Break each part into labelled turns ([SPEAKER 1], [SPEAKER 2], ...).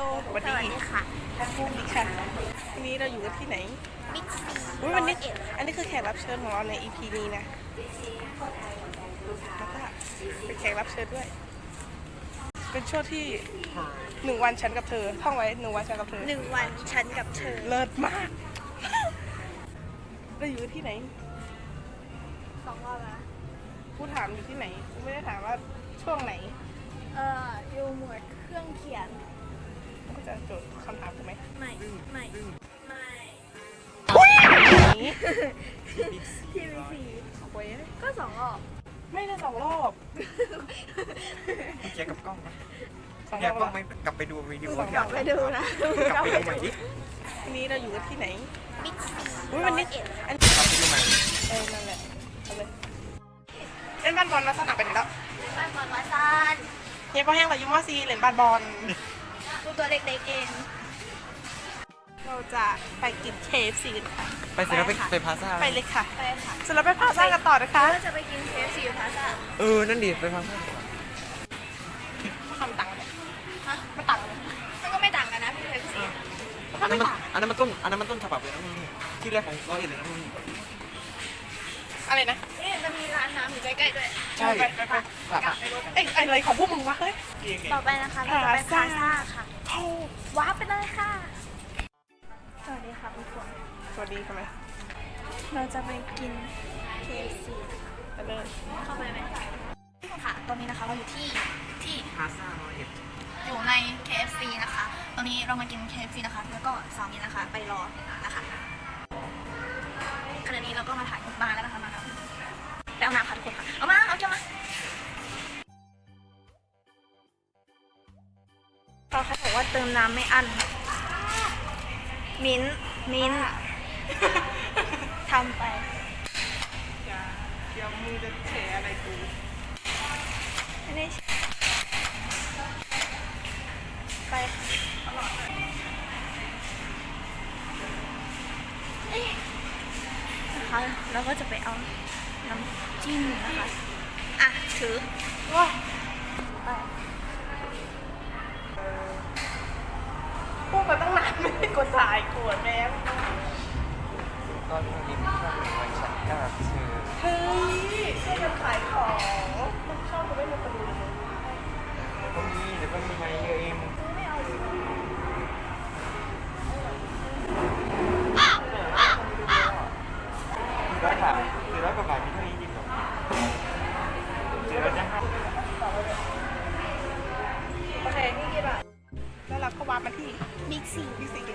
[SPEAKER 1] สวัสดีค่ะสวัสดีค่ะวันนี้เราอยู่กันที่ไหน
[SPEAKER 2] บิ๊กซี
[SPEAKER 1] วันนี้อันนี้คือแขกรับเชิญของเราใน EP นี้นะแล้วก็เป็นแขกรับเชิญด้วยเป็นช่วงที่1 วันฉันกับเธอท่องไว้1 วันฉันกับเธอ
[SPEAKER 2] 1 วันฉันกับเธอ
[SPEAKER 1] เลิศมากเราอยู่ที่ไหน
[SPEAKER 2] 2 รอบแล้ว
[SPEAKER 1] กูถามอยู่ที่ไหนกูไม่ได้ถามว่าช่วงไหน
[SPEAKER 2] อยู่หมวดเครื่องเขียน
[SPEAKER 1] ก็จะโจทย์คำถามกูไหม
[SPEAKER 2] ไม่ทีวีซี
[SPEAKER 1] โอ้ย
[SPEAKER 2] ก็2 รอบ
[SPEAKER 1] ไม่ได้2 รอบ
[SPEAKER 3] เกียร์กับกล้องไหมเกียร์กล้องไหมกลับไปดูวิดีโอก
[SPEAKER 2] ลับไปดูนะ
[SPEAKER 3] กลับไปดูใหม่ดิ
[SPEAKER 1] วันนี้เราอยู่กันที่ไหน
[SPEAKER 2] บิ๊กซี
[SPEAKER 1] วันนี้
[SPEAKER 3] กลับไปดูใหม่
[SPEAKER 1] นั่นแหละเอาเลยเล่นบ้านบอลมาสนามไปไหนแล้ว
[SPEAKER 2] บ้านบอลวาซาน
[SPEAKER 1] เฮียพ่อแห้งเรายุ่งว่าซีเล่นบ้านบอล
[SPEAKER 2] ตัวเล็กๆเอง
[SPEAKER 1] เราจะไปกิน KFC กันค่ะ
[SPEAKER 3] ไปเสร็จแล้วไปพาซ่า
[SPEAKER 1] ไปเลยค่ะ
[SPEAKER 2] ไปค่ะ
[SPEAKER 1] เสร็จแล้วไปพาซ่ากันต่อนะคะ
[SPEAKER 2] เราจะไปกิน KFC อยู่พาซ่า
[SPEAKER 3] นั่นดิไปพาซ่า
[SPEAKER 1] ทำตังค์เลย
[SPEAKER 2] ฮะ
[SPEAKER 1] ไม่ตังค์เลย
[SPEAKER 2] มันก็ไม่ต่างกันนะ KFC
[SPEAKER 3] อันนั้นมันต้นฉบับเลยนะมึงที่แรกของร้อยเอ็ดเลยนะมึง
[SPEAKER 1] อะไรนะ
[SPEAKER 2] จะมีร้านน้ำอยู่ใกล้ๆด้วย
[SPEAKER 3] ใช่ไป
[SPEAKER 1] อะไรของพวกมึงวะเฮ้ย
[SPEAKER 2] ต่อไปนะคะเราจะไปพาซ่าค่ะว้าไปเลยค่ะสวัสดีค่ะทุกคน
[SPEAKER 1] สวัสดีทำไม
[SPEAKER 2] เราจะไปกิน KFC
[SPEAKER 1] ไปเลย
[SPEAKER 2] เข้าไปไหมค่ะตอนนี้นะคะเราอยู่ที่
[SPEAKER 3] พาซ่าร้อยเอ็ด
[SPEAKER 2] อยู่ใน KFC นะคะตอนนี้เรามากิน KFC นะคะแล้วก็สามีนะคะไปรอนะคะขณะนี้เราก็มาถ่ายมาแล้วนะคะมาแล้วไปเอาน้ำค่ะทุกคนค่ะเอาเจ้ามาเขาบอกว่าเติมน้ำไม่อั้นมิ้นทำไป
[SPEAKER 1] เดี๋ยวมึงจะแฉอะไรกู
[SPEAKER 2] ไม่ได้ไปนะคะแล้วก็จะไปเอาน้ำจิ้มนะคะถือ
[SPEAKER 1] ว้า
[SPEAKER 2] ไป
[SPEAKER 1] พูดมาตั้งนานไม่ได้กดถ่ายขวดแม่
[SPEAKER 3] ตอนนี้ช่วงวันฉันกับเธอ
[SPEAKER 1] เฮ้ยช่วยกันขายของมันชอบกูไม่มาประดูเลย
[SPEAKER 3] เดี๋ยวก็มีมาเยอะเอง
[SPEAKER 2] ไม่เอา
[SPEAKER 3] ซื้อร้อยกว่าบาทมีเท่านี้จริงเหรอซื้อร้อยจะ
[SPEAKER 1] โอเคนี่กี่บาทแล้วเราก็วามาที่
[SPEAKER 2] บิ๊กซี
[SPEAKER 1] เกม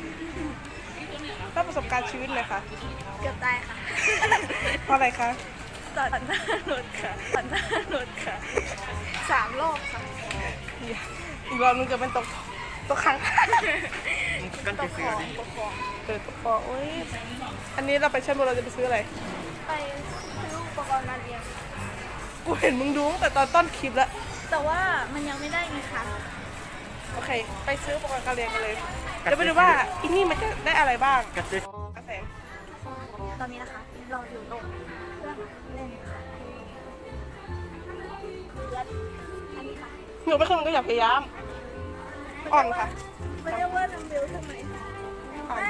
[SPEAKER 1] ต้องประสบการณ์ชีวิตเลยค่ะ
[SPEAKER 2] เกือบตายค่ะ
[SPEAKER 1] เพราะอะไรคะ
[SPEAKER 2] ตัดหน้ารถค่ะ3 รอบค่ะ
[SPEAKER 1] อีกรอบนึงจะเป็นตกครั้ง
[SPEAKER 3] ตกคอ
[SPEAKER 1] ตกคอโอ้ยอันนี้เราไปเช่นเราจะไปซื้ออะไร
[SPEAKER 2] ไปซื้ออุปกรณ์การเรียน
[SPEAKER 1] กูเห็นมึงดูตั้งแต่ตอนต้นคลิปแล้ว
[SPEAKER 2] แต่ว่ามันยังไม่ได้ไงคะ
[SPEAKER 1] โอเคไปซื้ออุปกรณ์การเรียนกันเลยเดี๋ยวไปดูว่าอินนี่มันจะได้อะไรบ้าง
[SPEAKER 3] กระเซ็น
[SPEAKER 2] ตอนนี้นะคะเราอยู่ตรงเครื่องเล่นค่ะอันนี้ค่ะ
[SPEAKER 1] หนูไม่เคยก็อย่าพยายามอ่อนค่ะ
[SPEAKER 2] มันเรียกว่านัมเบลใช่ไหมไม่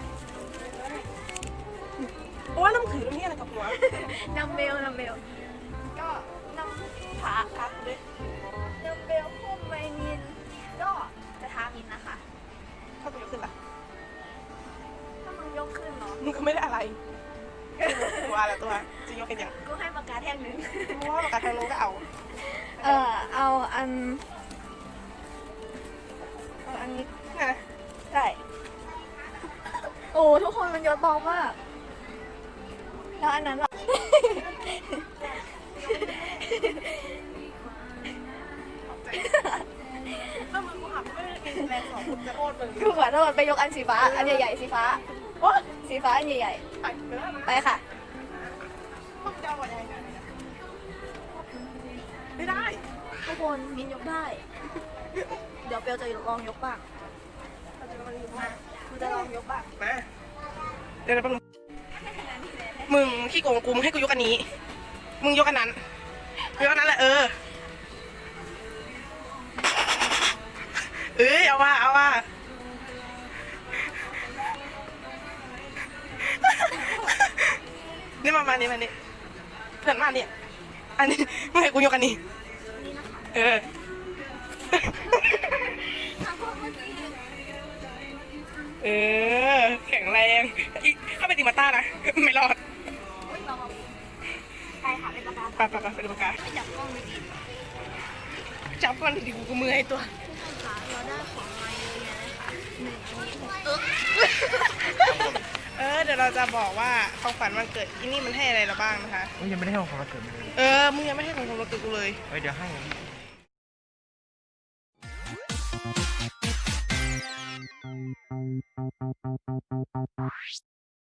[SPEAKER 1] โอ้ยน้ำถือตรงนี้อะไรกับหัว
[SPEAKER 2] นัมเบลก็นำขา
[SPEAKER 1] ด้วย
[SPEAKER 2] นัมเบลพุ่มไวนินก็จะทามินนะคะ
[SPEAKER 1] ถ้ากูยกขึ้นล่ะ
[SPEAKER 2] ถ้ามึงยกขึ้นเนาะ
[SPEAKER 1] มึงก็ไม่ได้อะไรตัวอะไรตัวจะยกกันอย่าง
[SPEAKER 2] กูให้ปากกาแท่งนึง
[SPEAKER 1] ว่าปากกาแท่งนึงก็เอา
[SPEAKER 2] เอาอันนี้
[SPEAKER 1] นะ
[SPEAKER 2] ใช่โอ้ทุกคนมันเยอะเบามากแล้วอันนั้นล่ะ
[SPEAKER 1] ถ้ามึงกูหักไม่ได้กินแรงสองมึงจะโทษมึง
[SPEAKER 2] กูขอโทษไปยกอันสีฟ้าอันใหญ่ๆสีฟ้าสีฟ้าอันใหญ่ๆไปค่ะ
[SPEAKER 1] ไม่ได้
[SPEAKER 2] ทุกคนมินยกได้เดี๋ยวเปียวจะลองยกบ้างกูจะลองยกบ้าง
[SPEAKER 1] เดี๋ยวมึงขี้โกงกูมึงให้กูยกอันนี้มึงยกอันนั้นยกอันนั้นแหละเอาเอาว่าเอาว่านี่มานี่เพื่อนมาเนี่ยอันนี้ไม่ให้กูยกอันนี้เออเออแข็งแรงอีถ้าเป็นติมาต้านะไม่รอด
[SPEAKER 2] ใช่ค่ะเป็นปากกา
[SPEAKER 1] ไปเป็นปากกา
[SPEAKER 2] ไม่จับกล้องดี
[SPEAKER 1] จับก่อนดิกูมือให้ตัว
[SPEAKER 2] ๆทุกคนคะเราได้ของมาเยอะแยะเลยค่ะหนึ่งอันนี้
[SPEAKER 1] เดี๋ยวเราจะบอกว่าของขวัญวันเกิดอีนี่มันให้อะไรเราบ้างนะคะ
[SPEAKER 3] ยังไม่ได้ให้ของขวัญวันเกิดเลย
[SPEAKER 1] มึงยังไม่ให้ของขวัญวันเกิดกูเลย
[SPEAKER 3] เดี๋ยวให้